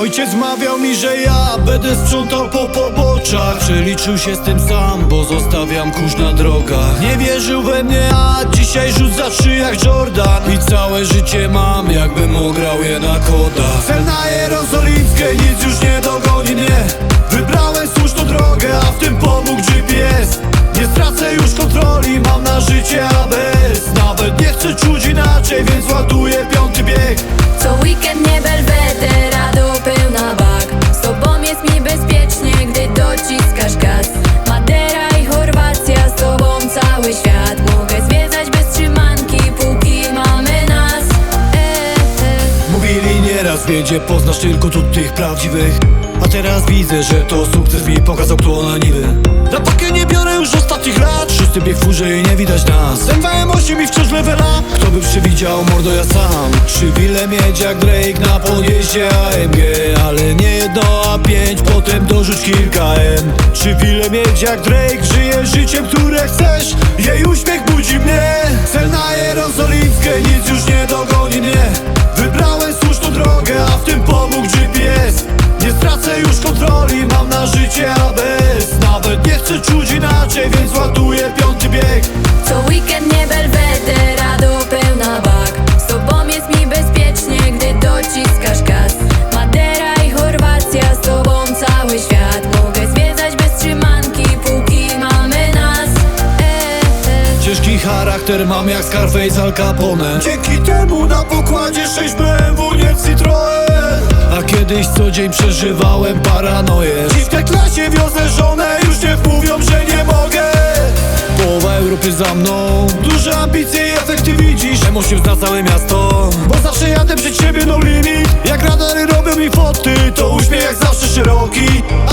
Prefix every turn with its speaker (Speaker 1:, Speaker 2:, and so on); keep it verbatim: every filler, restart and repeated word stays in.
Speaker 1: Ojciec mawiał mi, że ja będę sprzątał po poboczach. Przeliczył się z tym sam, bo zostawiam kurz na drogach. Nie wierzył we mnie, a dzisiaj rzuca trzy jak Jordan. I całe życie mam, jakbym ograł je na kodach. Cel na jerozolimskie, nic już nie dogoni mnie. Wybrałem słuszną drogę, a w tym pomógł G P S. Nie stracę już kontroli, mam na życie A B S. Nawet nie chcę czuć inaczej, więc ładuję piąty bieg.
Speaker 2: Co weekend nie belweder, a do pełna bak. Z tobą jest mi bezpiecznie, gdy dociskasz gaz. Madera i Chorwacja, z tobą cały świat. Mogę zwiedzać bez trzymanki, póki mamy nas. e, e.
Speaker 1: Mówili nieraz, wiedzie, poznasz tylko tu tych prawdziwych. A teraz widzę, że to sukces mi pokazał, kto na niby. Na pakę nie biorę już ostatnich lat. Szósty bieg w furze i nie widać nas. M W M osiem i wciąż levela. Kto by przewidział, mordo, ja sam. Trzy wile mieć jak Drake na podjeździe A M G. Ale nie jedno, a pięć, potem dorzuć kilka M. Trzy wile mieć jak Drake, żyję życiem, które chcesz. Jej uśmiech budzi mnie. Cel na jerozolimskie, nic już nie dogoni mnie. Wybrałem słuszną drogę, a w tym pomógł G P S. Nie stracę już kontroli, mam na życie A B S. Nawet nie chcę czuć inaczej, więc ładuję piąty bieg.
Speaker 2: Co weekend nie belweder, a do pełna bak. Z tobą jest mi bezpiecznie, gdy dociskasz gaz. Madera i Chorwacja, z tobą cały świat. Mogę zwiedzać bez trzymanki, póki mamy nas. e, e.
Speaker 1: Ciężki charakter mam jak Scarface, Al Capone. Dzięki temu na pokładzie sześć B M W, nie Citroen. A kiedyś co dzień przeżywałem paranoję. Dziś w tej klasie wiozę żonę, już nie mówią, że nie mogę. Połowa Europy za mną, duże ambicje i efekty widzisz. M osiem zna całe miasto, bo zawsze jadę przed siebie, no limit. Jak radary robią mi foty, to uśmiech jak zawsze szeroki.